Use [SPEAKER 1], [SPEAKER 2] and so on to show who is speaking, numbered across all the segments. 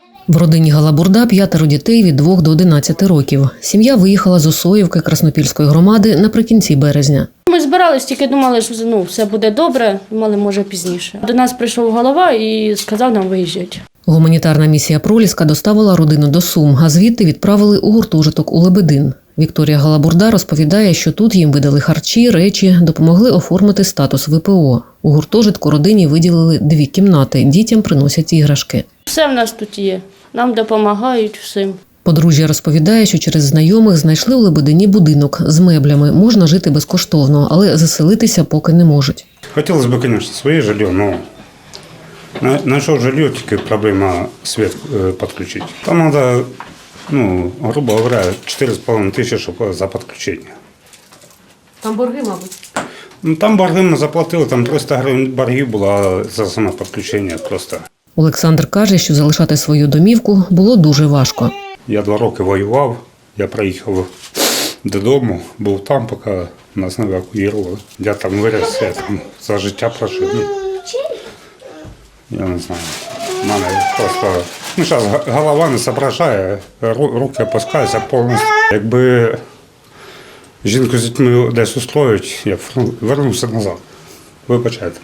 [SPEAKER 1] В родині Галабурда 5 дітей від 2 до 11 років. Сім'я виїхала з Осоївки Краснопільської громади наприкінці березня.
[SPEAKER 2] Ми збирались, тільки думали, що все буде добре, думали, може пізніше. До нас прийшов голова і сказав нам виїжджати.
[SPEAKER 1] Гуманітарна місія «Проліска» доставила родину до Сум, а звідти відправили у гуртожиток у Лебедин. Вікторія Галабурда розповідає, що тут їм видали харчі, речі, допомогли оформити статус ВПО. У гуртожитку родині виділили 2 кімнати, дітям приносять іграшки.
[SPEAKER 2] Все в нас тут є, нам допомагають всім.
[SPEAKER 1] Подружжя розповідає, що через знайомих знайшли у Лебедині будинок з меблями. Можна жити безкоштовно, але заселитися поки не можуть.
[SPEAKER 3] Хотілося б, звісно, своє житло, але знайшов житло, тільки проблема світ підключити. Там треба, грубо говоря, 4,5 тисячі, щоб за підключення.
[SPEAKER 2] Там борги, мабуть?
[SPEAKER 3] Там борги ми заплатили, там 300 гривень боргів було за саме підключення просто.
[SPEAKER 1] Олександр каже, що залишати свою домівку було дуже важко.
[SPEAKER 3] Я 2 роки воював, я приїхав додому, був там, поки нас не евакуювали. Я там виріс, я там за життя прожив. Я не знаю, в мене просто, зараз голова не соображає, руки опускаються повністю. Якби жінку з дітьми десь устроїть, я вернувся назад. Вибачайте.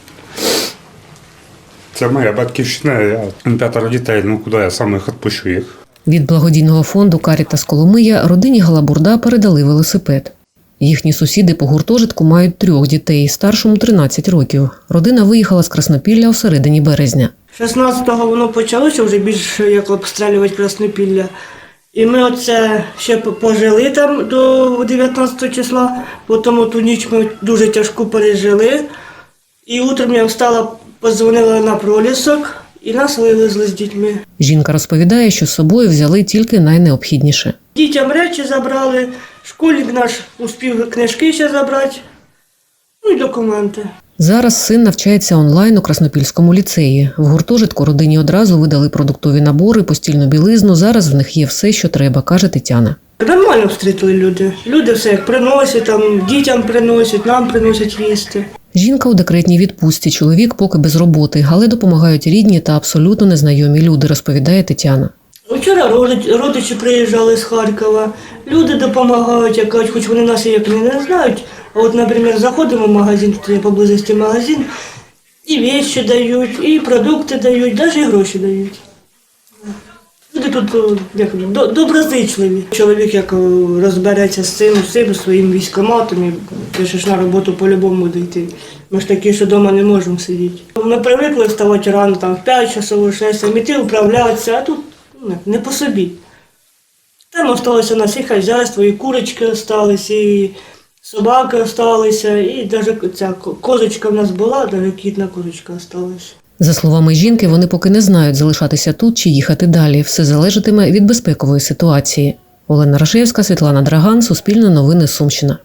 [SPEAKER 3] Це моя батьківщина, я 5 дітей, куди я сам їх відпущу їх.
[SPEAKER 1] Від благодійного фонду «Карітас Коломия» родині Галабурда передали велосипед. Їхні сусіди по гуртожитку мають 3 дітей, старшому 13 років. Родина виїхала з Краснопілля у середині березня.
[SPEAKER 4] 16-го воно почалося вже більше як обстрілювати Краснопілля. І ми оце ще пожили там до 19 числа, потім ту ніч ми дуже тяжко пережили. І утром я встала, подзвонила на Пролісок і нас вивезли з дітьми.
[SPEAKER 1] Жінка розповідає, що з собою взяли тільки найнеобхідніше.
[SPEAKER 4] Дітям речі забрали, школьник наш успів книжки ще забрати, і документи.
[SPEAKER 1] Зараз син навчається онлайн у Краснопільському ліцеї. В гуртожитку родині одразу видали продуктові набори, постільну білизну. Зараз в них є все, що треба, каже Тетяна.
[SPEAKER 4] Нормально встрітили люди. Люди все як приносять, там, дітям приносять, нам приносять їсти.
[SPEAKER 1] Жінка у декретній відпустці, чоловік поки без роботи, але допомагають рідні та абсолютно незнайомі люди, розповідає Тетяна.
[SPEAKER 4] Вчора родичі приїжджали з Харкова, люди допомагають, як кажуть, хоч вони нас як не знають. А от, наприклад, заходимо в магазин, тут є поблизості магазин, і речі дають, і продукти дають, навіть і гроші дають. Люди тут доброзичливі. Чоловік як розбереться з цим своїм військкоматом, і пишеш на роботу по-любому буде йти. Ми ж такі, що вдома не можемо сидіти. Ми привикли вставати рано, там, в 5 часов, 6, іти управлятися, а тут не по собі. Там залишилося у нас і хазяйство, і курочки залишилися, і собаки залишилися, і навіть ця козочка в нас була, навіть кітна козочка залишилася.
[SPEAKER 1] За словами жінки, вони поки не знають, залишатися тут чи їхати далі. Все залежатиме від безпекової ситуації. Олена Рашевська, Світлана Драган, Суспільне новини, Сумщина.